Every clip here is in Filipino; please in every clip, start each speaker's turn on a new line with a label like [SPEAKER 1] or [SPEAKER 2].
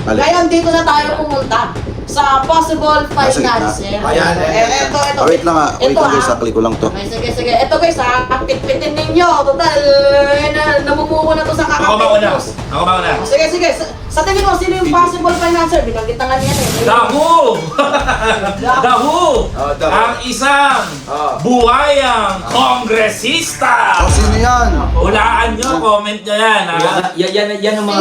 [SPEAKER 1] Ngayon, dito na tayo pumunta sa possible finances.
[SPEAKER 2] Ayan,
[SPEAKER 1] Ito.
[SPEAKER 3] Wait lang ha. Wait lang guys, sakli ko lang to.
[SPEAKER 1] Okay, sige. Ito guys ha, pitpitin ninyo. Total, namumuko na to sa
[SPEAKER 2] Ako mauna.
[SPEAKER 1] Sige. Sa tingin mo, sino yung possible financer? Binanggit na nga niyan eh.
[SPEAKER 4] Dahu! Dahu! Ang isang buhayang kongresista!
[SPEAKER 3] O, sino yan?
[SPEAKER 4] Hulaan nyo, comment nyo yan.
[SPEAKER 5] Yan ang mga...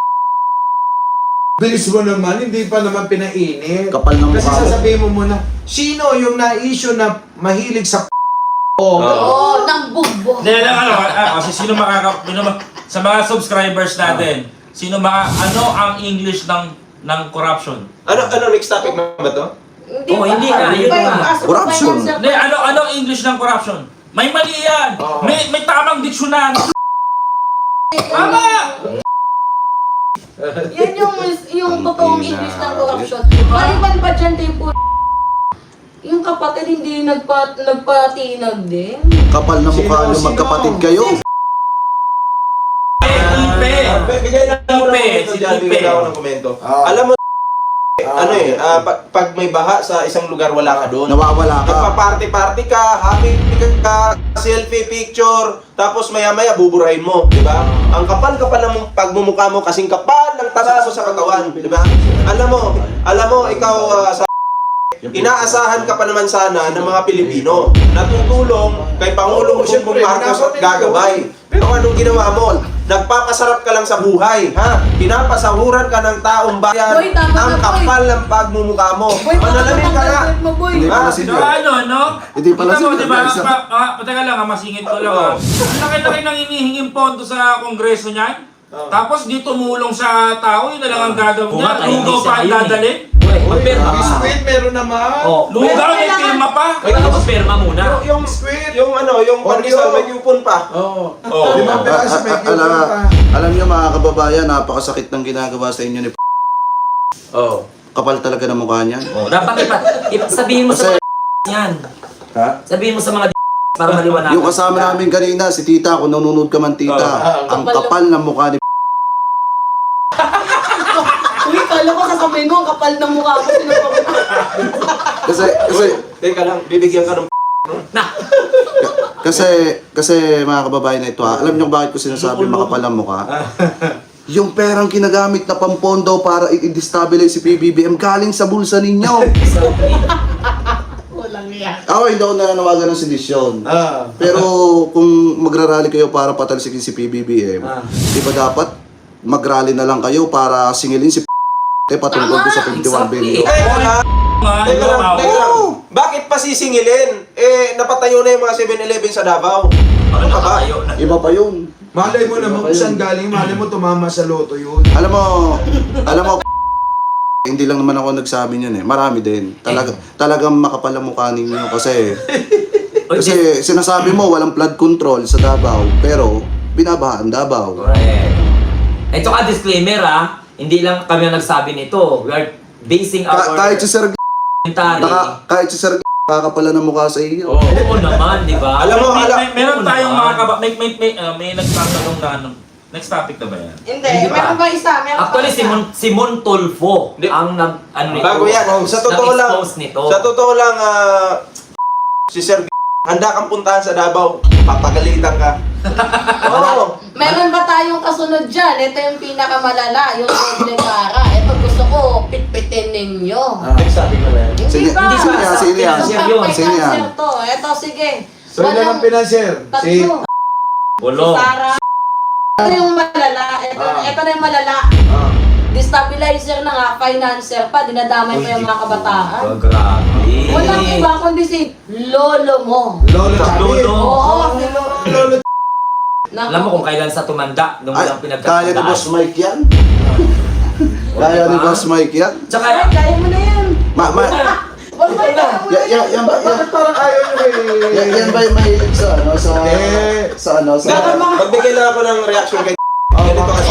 [SPEAKER 2] Bilis mo naman, hindi pa naman pinainit.
[SPEAKER 3] Kapal ng
[SPEAKER 2] Kasi
[SPEAKER 3] mukha mo.
[SPEAKER 2] sasabihin mo muna, sino yung na-issue na mahilig sa
[SPEAKER 1] Oo, ng bugbog.
[SPEAKER 4] Hindi lang kasi sino sa mga subscribers natin, ano ang English ng corruption?
[SPEAKER 6] Ano next topic na ba to?
[SPEAKER 5] hindi nga, yun nga.
[SPEAKER 3] Corruption.
[SPEAKER 4] Hindi, ano ang English ng corruption? May mali yan! May tamang diksyonan! Tama!
[SPEAKER 1] Yan yung totoong English ng corruption. Maliban pa dyan tayo yung kapatid hindi nagpatinag din.
[SPEAKER 3] Kapal na mukha nyo, magkapatid kayo.
[SPEAKER 6] Bigay lang ako ng komento dyan, bigay lang ako ng komento. Alam mo, pag may baha sa isang lugar, wala ka doon.
[SPEAKER 3] Nawawala ka.
[SPEAKER 6] Nagpa-party-party ka, happy ka, selfie, picture, tapos maya-maya buburahin mo, di ba? Ang kapal-kapal ng pagmumukha mo kasing kapal ng taba mo sa katawan, di ba? Alam mo, ikaw sa inaasahan ka pa naman sana ng mga Pilipino na tutulong kay Pangulong Bongbong Marcos at gagabay. Pero anong ginawa mo? Nagpapasarap ka lang sa buhay, ha? Pinapasahuran ka ng taong bayan.
[SPEAKER 1] Boy, tama
[SPEAKER 6] Ang
[SPEAKER 1] na, boy.
[SPEAKER 6] kapal ng pagmumukha mo.
[SPEAKER 1] Boy,
[SPEAKER 6] Manalamin ka na.
[SPEAKER 3] Hindi pala si
[SPEAKER 4] So
[SPEAKER 3] Joy.
[SPEAKER 4] no?
[SPEAKER 3] Hindi pala
[SPEAKER 4] Kita mo,
[SPEAKER 3] si
[SPEAKER 4] diba?
[SPEAKER 3] Joy.
[SPEAKER 4] Pateka lang, masingit ko lang. Ang laki-laki nang hinihinging pondo sa kongreso niyan. Tapos di tumulong sa tao, yun na lang ang gagawin niya. Lugaw pa ang dadalhin.
[SPEAKER 2] Squid, meron naman.
[SPEAKER 4] Lugaw, may pirma pa.
[SPEAKER 5] Magpapirma muna.
[SPEAKER 6] Yung squid, yung pandesal, may yupon pa.
[SPEAKER 2] Oo. Limang piraso may
[SPEAKER 3] Alam nyo mga kababayan, napakasakit ng ginagawa sa inyo ni Kapal talaga ng mukha niyan.
[SPEAKER 5] Dapat sabihin mo sa
[SPEAKER 3] Kasi,
[SPEAKER 5] mga yan.
[SPEAKER 3] ha?
[SPEAKER 5] Sabihin mo sa mga para maliwanag.
[SPEAKER 3] Yung kasama namin kanina, si Tita, kung nanonood ka man Tita, ang kapal ng mukha ni
[SPEAKER 1] Uy, kala ko sasabihin mo, ang kapal ng mukha ko.
[SPEAKER 3] Kasi,
[SPEAKER 6] Teka lang, bibigyan ka ng
[SPEAKER 3] kasi mga kababayan na ito ha, alam nyo bakit ko sinasabi makapal ang mukha? Yung perang kinagamit na pampondo para i-destabilize si PBBM galing sa bulsa ninyo.
[SPEAKER 1] Walang yan.
[SPEAKER 3] Ako hindi ako nananawagan ng sedisyon. Pero kung magrarally kayo para patalsikin si PBBM, di ba dapat magrally na lang kayo para singilin si patungkol doon sa 21 billion?
[SPEAKER 6] Teka lang. Bakit pa sisingilin? Napatayo na yung mga 7-Eleven sa Davao. Ano ka ba?
[SPEAKER 3] Iba pa yun.
[SPEAKER 2] Malay mo naman kung saan galing, malay mo tumama sa loto yun.
[SPEAKER 3] Alam mo, hindi lang naman ako nagsabi niyan eh. Marami din. Talagang makapal ang mukha ninyo kasi sinasabi mo walang flood control sa Davao pero binabahaan Davao.
[SPEAKER 5] Ito ka disclaimer hindi lang kami ang nagsabi nito. We are basing our
[SPEAKER 3] Kahit si Sir
[SPEAKER 5] commentary.
[SPEAKER 3] kahit si Sir kakapala ng mukha sa iyo.
[SPEAKER 5] Oo naman, di ba?
[SPEAKER 6] Alam mo,
[SPEAKER 4] Meron tayong mga may nagtatanong na ano. Next topic na ba yan?
[SPEAKER 1] Hindi, meron pa isa.
[SPEAKER 5] Actually, si Mon Tulfo ang
[SPEAKER 6] Bago yan. Sa totoo lang,
[SPEAKER 5] nag-expose nito.
[SPEAKER 6] si Sir handa kang puntahan sa Davao. Papagalitan ka. Oo.
[SPEAKER 1] Meron ba tayong kasunod dyan? Ito yung pinakamalala, yung doble cara. Ito gusto ko, pitpitin ninyo.
[SPEAKER 6] Next topic na ba yan?
[SPEAKER 3] Sino yan? Sino yan? Sino yan?
[SPEAKER 1] Ito, sige.
[SPEAKER 2] So ilan ang pinanser? Si
[SPEAKER 1] Tatlo.
[SPEAKER 5] Walo.
[SPEAKER 1] Sara. Ito yung malala. Ito na yung malala. Destabilizer na nga, financer pa, dinadamay pa yung mga kabataan.
[SPEAKER 5] Grabe.
[SPEAKER 1] Walang iba kundi si lolo mo.
[SPEAKER 2] Lolo Chabi.
[SPEAKER 1] Oo, si lolo.
[SPEAKER 5] Alam mo kung kailan sa tumanda, nung
[SPEAKER 3] Ay,
[SPEAKER 5] walang
[SPEAKER 3] kaya ni
[SPEAKER 5] pinagkakandaan.
[SPEAKER 3] Boss Mike yan? Kaya ni Boss Mike yan?
[SPEAKER 5] Tsaka,
[SPEAKER 1] Ay, kaya mo na yan.
[SPEAKER 3] Yan ba?
[SPEAKER 2] Bakit parang ayaw nyo
[SPEAKER 3] Yan ba yung mahilig sa
[SPEAKER 6] Magbigay lang ako ng reaction kay ganito kasi.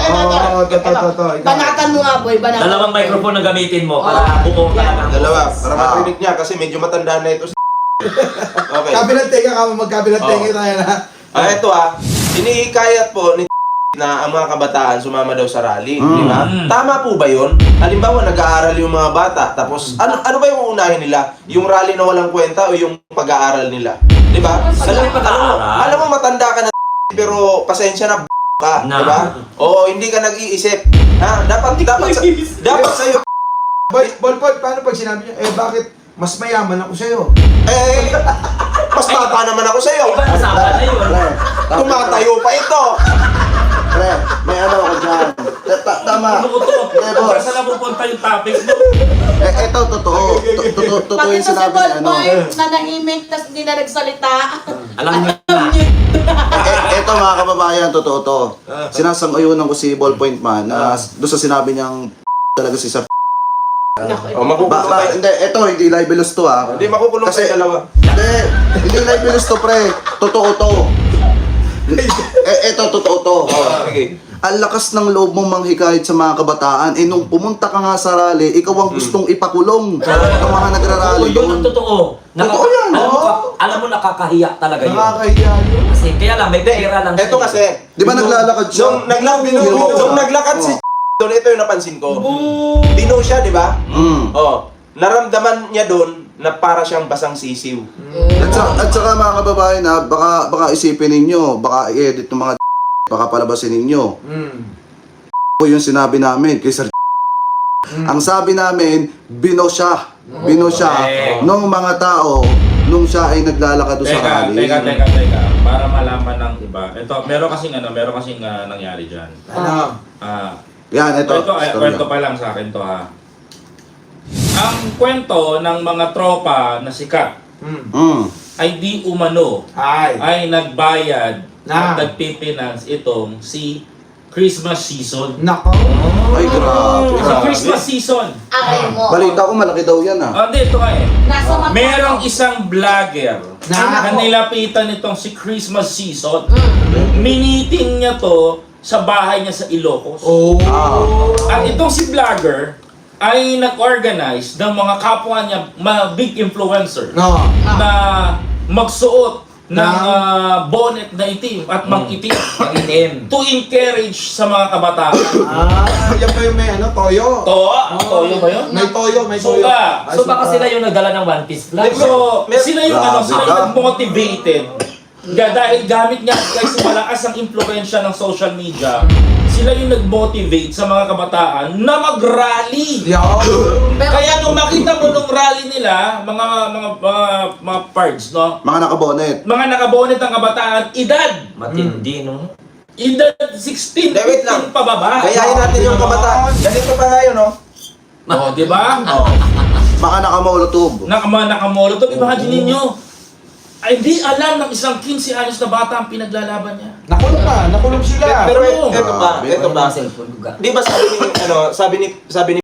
[SPEAKER 1] Banatan mo nga, boy. Banatan.
[SPEAKER 5] dalawang microphone na gamitin mo para buo ka lang.
[SPEAKER 6] Dalawa, para marinig niya kasi medyo matanda na ito. Okay.
[SPEAKER 2] Kabilang tenga ka mo, magkabilang tenga tayo na.
[SPEAKER 6] Ito hinihikayat po ni na ang mga kabataan sumama daw sa rally, di ba? Tama po ba 'yon? Halimbawa, nag-aaral yung mga bata, tapos ano ba yung uunahin nila? Yung rally na walang kwenta o yung pag-aaral nila? Di ba? Alam mo, matanda ka na pero pasensya na ka, di ba? Oo, hindi ka nag-iisip. Ha? Dapat sa'yo.
[SPEAKER 2] Bolpol, paano pag sinabi niya, bakit mas mayaman ako sa'yo?
[SPEAKER 6] Mas bata naman ako sa'yo.
[SPEAKER 5] Kasama na yun.
[SPEAKER 6] Tumatayo pa ito.
[SPEAKER 3] Pre, may ano ako dyan. Tama.
[SPEAKER 4] Ano ko to?
[SPEAKER 3] Eh, boss.
[SPEAKER 4] Saan na pupunta yung topic mo?
[SPEAKER 3] Ito, totoo. Totoo
[SPEAKER 1] Pati
[SPEAKER 3] yung
[SPEAKER 1] to si
[SPEAKER 3] sinabi niya, ano.
[SPEAKER 1] Ballpoint, nanahimik, tas hindi na nagsalita.
[SPEAKER 5] Alam niyo na.
[SPEAKER 3] Ito mga kababayan, totoo to. Sinasang-ayunan ko si Ballpoint Man na doon sa sinabi niyang talaga si Sir.
[SPEAKER 6] Oh, makukulong tayo.
[SPEAKER 3] Hindi, ito, hindi libelous to ha.
[SPEAKER 6] Hindi, makukulong
[SPEAKER 3] Kasi-
[SPEAKER 6] tayo dalawa.
[SPEAKER 3] Hindi libelous to pre. Totoo to. Ito, totoo to.
[SPEAKER 6] Okay.
[SPEAKER 3] Ang lakas ng loob mong manghikayat sa mga kabataan. Nung pumunta ka nga sa rally, ikaw ang gustong ipakulong ng mga nagrarally
[SPEAKER 5] Yun ang
[SPEAKER 3] yun.
[SPEAKER 5] totoo.
[SPEAKER 3] Totoo yan,
[SPEAKER 5] Alam mo, nakakahiya talaga yun.
[SPEAKER 2] Nakakahiya yun.
[SPEAKER 5] Kasi kaya lang, may pera lang
[SPEAKER 6] Ito kasi,
[SPEAKER 3] Di ba naglalakad siya?
[SPEAKER 6] nung naglakad si doon, ito yung napansin ko. Dino siya, di ba? Oh, naramdaman niya doon na para siyang basang sisiw.
[SPEAKER 3] At saka mga kababayan ha, baka isipin ninyo, baka i-edit ng mga baka palabasin ninyo. Yung sinabi namin kay Sir Ang sabi namin, bino siya nung mga tao nung siya ay naglalakad doon sa rally.
[SPEAKER 4] Teka. Para malaman ng iba. Ito, meron kasing nangyari dyan.
[SPEAKER 2] Ano?
[SPEAKER 3] Yan, ito.
[SPEAKER 4] Kwento pa lang sa akin to ha. Ang kwento ng mga tropa na sikat ay di umano ay nagbayad at nagpipinance itong si Christmas season.
[SPEAKER 2] Nako.
[SPEAKER 3] Ay, grabe.
[SPEAKER 4] Sa Christmas season.
[SPEAKER 1] Aray mo.
[SPEAKER 3] Balita ko malaki daw yan ha.
[SPEAKER 4] Hindi, ito nga eh.
[SPEAKER 1] Nasa mata.
[SPEAKER 4] Merong isang vlogger na
[SPEAKER 2] Nako.
[SPEAKER 4] nilapitan itong si Christmas season. Miniting niya to sa bahay niya sa Ilocos. At itong si vlogger ay nag-organize ng mga kapwa niya, mga big influencer, na magsuot ng bonnet na itim at mag-itim to encourage sa mga kabataan.
[SPEAKER 2] Yan ba yung may toyo?
[SPEAKER 4] Toyo ba yun?
[SPEAKER 2] May toyo.
[SPEAKER 4] Suka.
[SPEAKER 5] So baka sila yung nagdala ng One Piece vlog.
[SPEAKER 4] So, sila yung sila
[SPEAKER 3] ka.
[SPEAKER 4] yung motivated. Dahil gamit niya guys malakas ang impluwensya ng social media, sila yung nag-motivate sa mga kabataan na mag-rally. Kaya nung makita mo nung rally nila, mga parts, no?
[SPEAKER 3] Mga nakabonet.
[SPEAKER 4] Mga nakabonet ng kabataan, edad
[SPEAKER 5] Matindi, no?
[SPEAKER 4] edad 16,
[SPEAKER 6] Wait lang.
[SPEAKER 4] 15 pababa.
[SPEAKER 6] Gayahin natin yung kabataan. Ganito pa nga yun, no?
[SPEAKER 4] Oh, di ba?
[SPEAKER 3] Baka nakamolotov.
[SPEAKER 4] Nakamolotov, imagine ninyo. Ay, hindi alam ng isang 15 anyos na bata ang pinaglalaban niya.
[SPEAKER 2] Nakulong sila.
[SPEAKER 6] Pero
[SPEAKER 4] Oo.
[SPEAKER 6] ito ba?
[SPEAKER 5] Cellphone ko ga.
[SPEAKER 6] Di ba sabi ni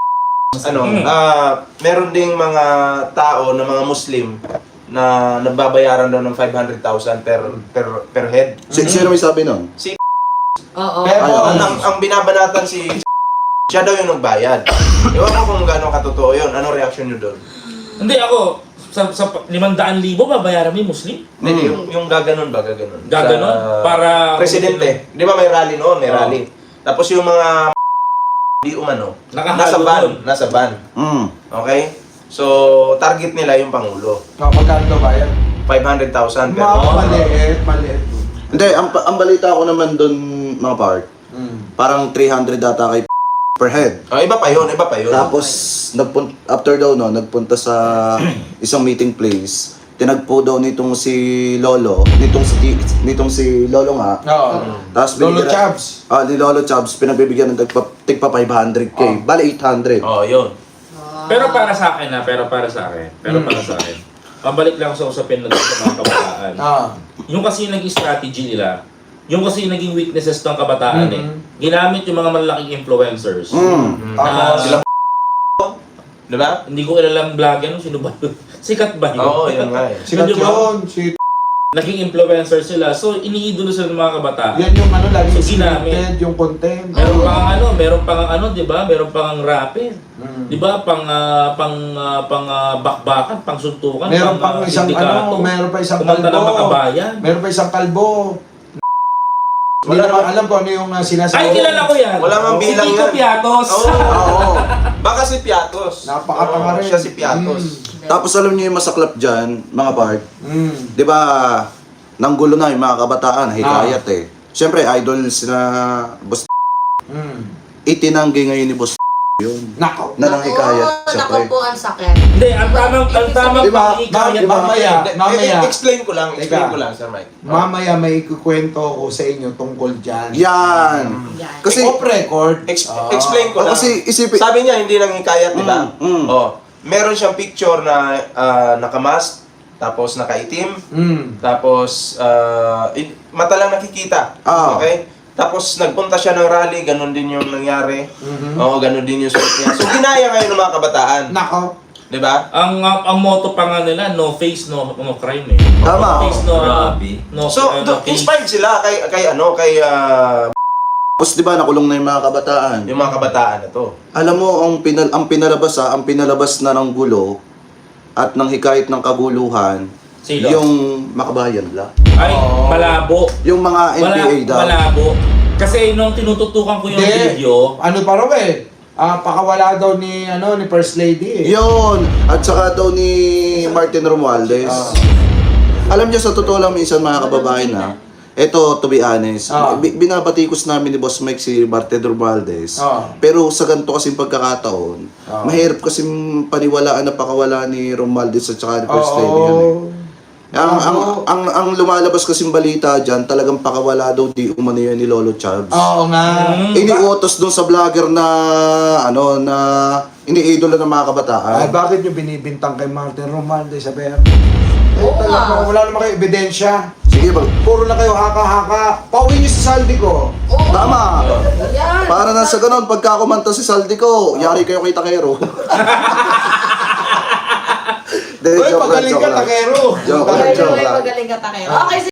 [SPEAKER 6] meron ding mga tao na mga Muslim na nagbabayaran daw ng 500,000 per head.
[SPEAKER 3] Sino may sabi nun?
[SPEAKER 1] Oo.
[SPEAKER 6] Pero ang binabanatan siya daw yung nagbayad. Ewan ko kung gaano katotoo yun. Ano reaction nyo doon?
[SPEAKER 4] Hindi ako, sa 500,000 babayaran mo yung Muslim?
[SPEAKER 6] Hindi, yung gaganon ba? Gaganon.
[SPEAKER 4] Gaganon? Para...
[SPEAKER 6] Presidente. Di ba may rally noon? May rally. Tapos yung mga di umano,
[SPEAKER 4] Nakahalo
[SPEAKER 6] nasa van. Okay? So, target nila yung Pangulo.
[SPEAKER 2] Magkano daw ba yan?
[SPEAKER 6] 500,000 per
[SPEAKER 2] Maliit.
[SPEAKER 3] Hindi, ang balita ko naman doon mga park, parang 300 data kay per head.
[SPEAKER 6] Iba pa yun.
[SPEAKER 3] Tapos, after daw no, nagpunta sa isang meeting place, tinagpo daw nitong si Lolo, nitong si Lolo nga. Tapos
[SPEAKER 2] Lolo Chabs.
[SPEAKER 3] Ni Lolo Chabs, pinagbibigyan ng tigpa 500k, bali 800.
[SPEAKER 6] Yun.
[SPEAKER 4] Pero para sa akin pabalik lang sa usapin na sa mga kabataan. Yung kasi naging strategy nila, yung kasi naging weaknesses ng kabataan ginamit yung mga malalaking influencers.
[SPEAKER 6] Sila diba?
[SPEAKER 4] Hindi ko ilalang vlogger, sino ba yun? Sikat ba yun?
[SPEAKER 6] Oo, yun nga eh.
[SPEAKER 2] Sikat
[SPEAKER 4] Medyo
[SPEAKER 2] yun.
[SPEAKER 4] Naging influencer sila, so iniidolo sila ng mga kabataan.
[SPEAKER 2] Yan yung lagi
[SPEAKER 4] So, ginamit.
[SPEAKER 2] scripted, yung content.
[SPEAKER 4] Meron pang di ba? Meron pang rapper. Di ba? Pang bakbakan, pang suntukan,
[SPEAKER 2] Meron pang isang
[SPEAKER 4] sindikato.
[SPEAKER 2] meron pa isang
[SPEAKER 4] Kumanta ng
[SPEAKER 2] kalbo.
[SPEAKER 4] makabayan.
[SPEAKER 2] Meron pa isang kalbo. Hindi naman alam ko ano yung sinasabi.
[SPEAKER 4] Ay, kilala ko yan.
[SPEAKER 6] Wala mang
[SPEAKER 4] Si
[SPEAKER 6] bilang
[SPEAKER 4] Kiko
[SPEAKER 6] yan.
[SPEAKER 4] Piatos.
[SPEAKER 3] Oo.
[SPEAKER 6] Baka si Piatos.
[SPEAKER 2] Napakatanga
[SPEAKER 6] Oo,
[SPEAKER 2] rin.
[SPEAKER 6] siya si Piatos.
[SPEAKER 3] Tapos alam niyo yung masaklap dyan, mga Bart,
[SPEAKER 2] Mm.
[SPEAKER 3] di ba, nanggulo na yung mga kabataan, hikayat eh. Siyempre, idol sila Boss
[SPEAKER 2] Mm.
[SPEAKER 3] itinanggi ngayon ni Boss yun.
[SPEAKER 2] Nako.
[SPEAKER 3] Na lang hikayat,
[SPEAKER 1] Nako
[SPEAKER 3] siyempre.
[SPEAKER 1] po ang sakit.
[SPEAKER 4] Hindi, ang tamang
[SPEAKER 3] Diba?
[SPEAKER 4] pangikayat
[SPEAKER 2] Mamaya.
[SPEAKER 6] Explain ko lang,
[SPEAKER 2] Teka.
[SPEAKER 6] Sir Mike.
[SPEAKER 2] Mamaya may ikukwento ko sa inyo tungkol dyan.
[SPEAKER 3] Yan.
[SPEAKER 1] Yan.
[SPEAKER 3] Kasi,
[SPEAKER 2] Off record.
[SPEAKER 6] Explain ko lang.
[SPEAKER 3] kasi isipin,
[SPEAKER 6] Sabi niya, hindi nang hikayat, di ba?
[SPEAKER 3] Mm.
[SPEAKER 6] Meron siyang picture na nakamask, tapos nakaitim,
[SPEAKER 2] Mm.
[SPEAKER 6] tapos mata lang nakikita.
[SPEAKER 3] Ah.
[SPEAKER 6] Okay? Tapos nagpunta siya ng rally, ganun din yung nangyari.
[SPEAKER 2] Mhm.
[SPEAKER 6] Oo, ganun din yung suot niya. So ginaya ngayon ng mga kabataan.
[SPEAKER 2] Nako.
[SPEAKER 6] Di ba?
[SPEAKER 4] Ang motto pa nga nila, no face, no crime eh.
[SPEAKER 3] Tama.
[SPEAKER 4] No face, no,
[SPEAKER 5] Grabe.
[SPEAKER 4] no,
[SPEAKER 6] So,
[SPEAKER 4] no case.
[SPEAKER 6] inspired sila kay
[SPEAKER 3] tapos di ba nakulong na yung mga kabataan.
[SPEAKER 6] yung mga kabataan na to.
[SPEAKER 3] Alam mo, ang pinalabas na ng gulo at ng hikayat ng kaguluhan,
[SPEAKER 4] Sino?
[SPEAKER 3] yung makabayan la.
[SPEAKER 4] Ay, malabo.
[SPEAKER 3] Yung mga NPA daw.
[SPEAKER 4] Malabo. Kasi nung tinututukan ko yung
[SPEAKER 2] Hindi.
[SPEAKER 4] video,
[SPEAKER 2] Ano pa raw eh? Pakawala daw ni First Lady eh.
[SPEAKER 3] Yun! At saka daw ni Martin Romualdez. Alam niyo, sa totoo lang minsan mga kababayan na, eto, to be honest, binabatikos namin ni Boss Mike si Martin Romualdez. Pero sa ganito kasing pagkakataon, mahirap kasing paniwalaan na pakawala ni Romualdez at saka ni First Lady yan eh. Ang lumalabas kasing balita dyan, talagang pakawala daw di umano yan ni Lolo Chubbs.
[SPEAKER 2] Oo nga.
[SPEAKER 3] Iniutos doon sa vlogger na na iniidola ng mga kabataan.
[SPEAKER 2] Ay, bakit nyo binibintang kay Martin Romualdez sa Bear?
[SPEAKER 1] Oo nga.
[SPEAKER 2] Wala naman kayo ebidensya.
[SPEAKER 3] Sige,
[SPEAKER 2] Puro na kayo haka-haka. Pauwi nyo sa saldi ko.
[SPEAKER 1] Oo.
[SPEAKER 3] tama.
[SPEAKER 1] Yan.
[SPEAKER 3] Para na sa ganun, pagka kumanta si Saldi ko, yari kayo kay Takero.
[SPEAKER 2] Uy, pagaling ka, takero.
[SPEAKER 3] Joke
[SPEAKER 1] By
[SPEAKER 3] lang,
[SPEAKER 1] the
[SPEAKER 3] joke
[SPEAKER 1] way,
[SPEAKER 3] lang.
[SPEAKER 1] magaling ka takero. Okay,